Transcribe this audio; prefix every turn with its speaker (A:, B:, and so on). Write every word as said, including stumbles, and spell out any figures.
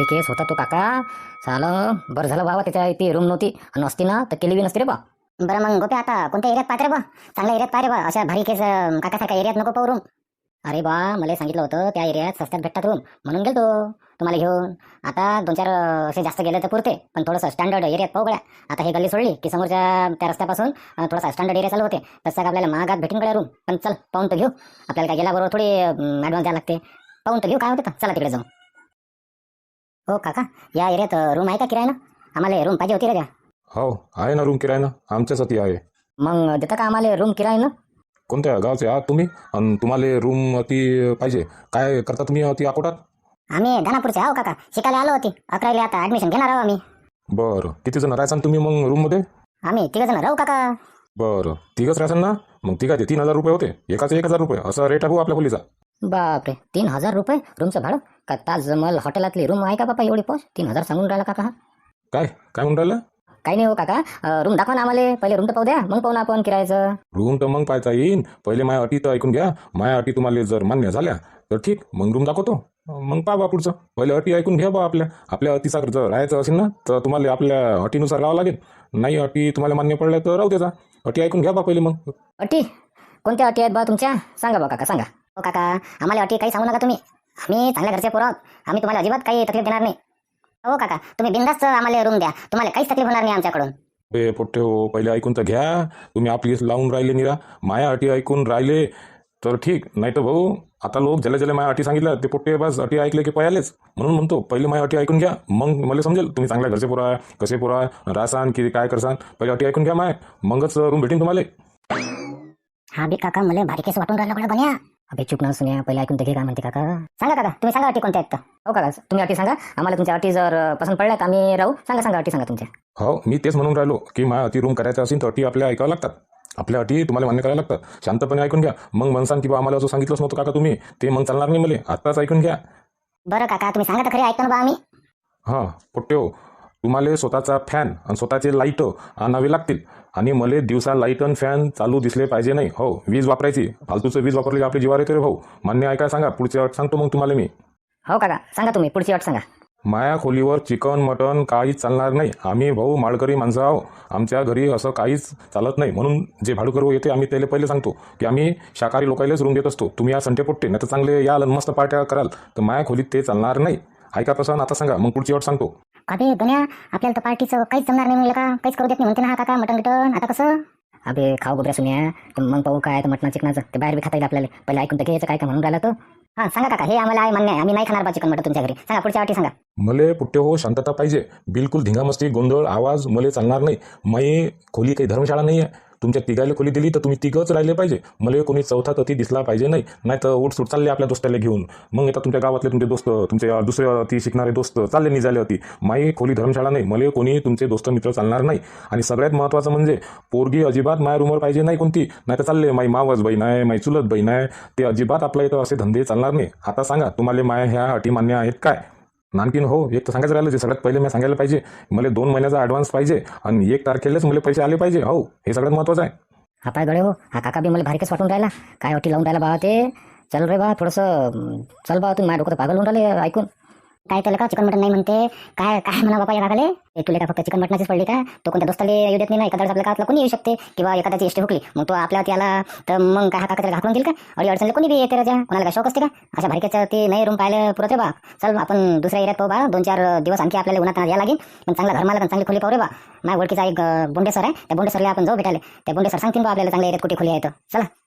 A: भारी केस होता तो काका. झालं बरं झालं बाबा त्याच्या ती रूम नव्हती आणि असती ना तर केली बी नसती रे बा.
B: बरं मग गोप्या आता कोणत्या एरियात पाहते रे बा? चांगल्या एरियात पाह रे बा. अशा भारी केस अं, काकासारख्या एरियात नको पाहू रूम.
A: अरे बा मला सांगितलं होतं त्या एरियात स्वस्तात भेटतात रूम म्हणून गेलतो तुम्हाला घेऊन. आता दोन चार अं, असे जास्त गेले तर पुरते पण थोडंसं स्टँडर्ड एरियात पाहू गड्या. आता हे गल्ली सोडली की समोरच्या त्या रस्त्यापासून अं, थोडासा स्टँडर्ड एरिया चालू होते तसं का आपल्याला महागात भेटून गड्या रूम. पण चल पाहून तर घेऊ. आपल्याला काय गेल्याबरोबर थोडी ॲडव्हान्स द्यावं लागते. पाहून तर घेऊ काय होतं. चला तिकडे जाऊ. हो काका या एरियात रूम आहे का किरायनं? आम्हाला रूम पाहिजे होती रे द्या.
C: हो आहे ना रूम किरायनं आमच्यासाठी आहे.
A: मग देता का आम्हाला रूम किरायनं?
C: कोणत्या गावचे आहात तुम्ही आणि तुम्हाला रूम ती पाहिजे? काय करता तुम्ही ती अकोटात?
B: आम्ही दानापूरचे आहो काका. शिकायला आलो होती अकरावीला. आता ऍडमिशन घेणार आहो आम्ही.
C: बरं किती जण राहायचा तुम्ही मग रूममध्ये?
B: आम्ही तिघ जण राहू काका.
C: बरं तिघच राहायचं ना? मग तिघाचे तीन हजार रुपये होते. एकाचे एक हजार रुपये असा रेट आहे भाऊ आपल्या खोलीचा.
A: बापरे तीन हजार रुपये रूमचं भाडं? का ताजमहल हॉटेलातली रूम आहे का बापा एवढी पोच? तीन हजार सांगून राहिला काका हा.
C: काय काय म्हणून राहिलं?
A: काही नाही हो काका. रूम दाखवा ना आम्हाला. पहिले रूम तर पाहू द्या मग पाहू ना आपण किरायचं.
C: रूम तर मग पाहता येईन. पहिले माझ्या अटी तर ऐकून घ्या. माझ्या अटी तुम्हाला जर मान्य झाल्या तर ठीक मग रूम दाखवतो. मग पहा बा पुढचं. पहिले अटी ऐकून घ्या बा आपल्या. आपल्या अटीचा जर राहायचं असेल ना तर तुम्हाला आपल्या अटीनुसार राहावं लागेल. नाही अटी तुम्हाला मान्य पडल्या तर राहू त्याचा. अटी ऐकून घ्या बा पहिले मग.
A: अटी? कोणत्या अटी आहेत बा तुमच्या? सांगा बा काका सांगा.
B: हो काका आम्हाला अटी काही सांगू नका तुम्ही. आम्ही चांगल्या घरचे पोरं आहोत. आम्ही तुम्हाला अजिबात काही तकलीफ देणार नाही. हो काका तुम्ही बिंदास्त आम्हाला रूम द्या. तुम्हाला काहीच तकलीफ होणार नाही आमच्याकडून.
C: बे पोट्टे हो पहिले ऐकून तर घ्या. तुम्ही आपली लावून राहिले निरा. माया अटी ऐकून राहिले तर ठीक. नाही तर भाऊ आता लोक ज्याला ज्याला माया अटी सांगितल्या ते पोट्टे बस अटी ऐकले की पयालेच. म्हणून म्हणतो पहिले माया अटी ऐकून घ्या मग मला समजेल तुम्ही चांगल्या घरचे पोरा कसे पोरा राहसान की काय करसान. पहिले अटी ऐकून घ्या माय मगच रूम भेटेन तुम्हाला.
B: हा बी काका मला भारी केस वाटून राहिला बघा बन्या.
A: अबे चुप ना सुन्या. पहिले ऐकून तर घे काय म्हणते काका.
B: सांगा काका तुम्ही सांगा अटी कोणत्या आहेत तर.
A: हो काका तुम्ही अटी सांगा. आम्हाला तुमच्या अटी जर पसंत पडल्यात आम्ही राहू. सांगा सांगा अटी सांगा तुमच्या.
C: हो मी तेच म्हणून राहिलो की माझ्या अटी रूम करायचं असेल तर अटी आपल्या ऐकावं लागतात. आपल्या अटी तुम्हाला मान्य करायला लागतात. शांतपणे ऐकून घ्या मग म्हणसान की बा आम्हाला असं सांगितलंच नव्हतं काका तुम्ही ते मग चालणार नाही मला. आत्ताच ऐकून घ्या.
B: बरं काका तुम्ही सांगा तर खरी ऐकतो ना बा आम्ही.
C: हां पोट्टे हो तुम्हाला स्वतःचा फॅन आणि स्वतःचे लाईट आणावे लागतील. आणि मला दिवसा लाईट आणि फॅन चालू दिसले पाहिजे नाही. हो वीज वापरायची. फालतूचं वीज वापरली आपली जीवार येते रे भाऊ. मान्य आहे काय सांगा. पुढची अट सांगतो मग तुम्हाला मी.
A: हो काका सांगा तुम्ही पुढची अट सांगा.
C: माया खोलीवर चिकन मटन काहीच चालणार नाही. आम्ही भाऊ माळकरी माणसं आहो. आमच्या घरी असं काहीच चालत नाही. म्हणून जे भाडूकरू येते आम्ही त्याला पहिले सांगतो की आम्ही शाकाहारी लोकांनाच रूम देत असतो. तुम्ही या संटे पोट्टे नाही तर चांगले याल आणि मस्त पार्ट्या कराल तर माया खोलीत ते चालणार नाही. ऐका तसं आता सांगा मग पुढची अट सांगतो.
B: अबे गण्या आपल्याला तर पार्टीचं काहीच जमणार नाही म्हणलं का. काहीच करू देत नाही म्हणते ना हा काका. मटण गिटण आता कसं?
A: अबे खाऊ गोबऱ्या सुन्या. तर मग पाहू काय तर मटणा चिकनाचं ते बाहेर बी खाता येईल आपल्याला. पहिले ऐकून तर घ्यायचं काय काय म्हणून राहिला तो.
B: हां सांगा काका हे आम्हाला आहे मान्य आहे. आम्ही नाही खाणार बा चिकन मटण तुमच्या घरी. सांगा पुढच्या अटी सांगा.
C: मले पुट्टे हो शांतता पाहिजे. बिलकुल धिंगामस्ती गोंधळ आवाज मले चालणार नाही. माई खोली काही धर्मशाळा नाही आहे. तुमच्या तिघायला खोली दिली तर तुम्ही तिघच राहिले पाहिजे. मला कोणी चौथा तती दिसला पाहिजे नाही. नाही तर उठसूट चालले आपल्या दोस्ताला घेऊन. मग आता तुमच्या गावातले तुमचे दोस्त तुमचे दुसरे ती शिकणारे दोस्त चालले निघाले होती. माई खोली धर्मशाळा नाही. मला कोणी तुमचे दोस्त मित्र चालणार नाही. आणि सगळ्यात महत्त्वाचं म्हणजे पोरगी अजिबात माया रूमवर पाहिजे नाही कोणती. नाही तर चालले माई मावस बहीण आहे माई चुलत बहीण आहे ते अजिबात आपल्या इथं असे धंदे चालणार नाही. आता सांगा तुम्हाला माया ह्या अटी मान्य आहेत काय? आणखीन हो एक तर सांगायचं राहिलं जे सगळ्यात पहिले मी सांगायला पाहिजे मला दोन महिन्याचा ॲडव्हान्स पाहिजे आणि एक तारखेलाच मला पैसे आले पाहिजे. हो हे सगळ्यात महत्त्वाचं आहे.
A: हा पाय गडे हो. हा काका बी मला भारीकच वाटून राहिला. काय अटी लावून राहिला बा ते. चल रे बा थोडंसं चल बा तुम्ही. माझ्या डोकं तर पागल होऊन राहिले ऐकून.
B: काय त्याला का चिकन मटण नाही म्हणते काय काय म्हणा बाबा या काकाले. हे तुला का फक्त चिकन मटणाचीच पडली का? तो कोणत्या दोस्ताला येऊ देत नाही ना. एखाद्या आपल्या गावातला कोणी येऊ शकते किंवा एखाद्याची एसटी हुकली मग तो आपल्या याला तर मग काय हा काका त्याला घाकरून देईल का? अडी अडचणला कोणी बी येते राजा. कोणाला काय शौक असते का? अशा भारिकेचं ते नाही रूम पाहायला पुरत रे बा. चल आपण दुसऱ्या एरियात पाहू बा. दोन चार दिवस आणखी आपल्याला उन्हात यायला लागेल. पण चांगला घरमाला पण चांगली खोली पाहू रे बा. माझ्या ओळखीचा एक बोंडे सर आहे. त्या बोंडे सरला आपण जाऊ भेटायला. त्या बोंडे सर सांगतील बा आपल्याला चांगल्या एरियात कुठे खोली आहे तर. चला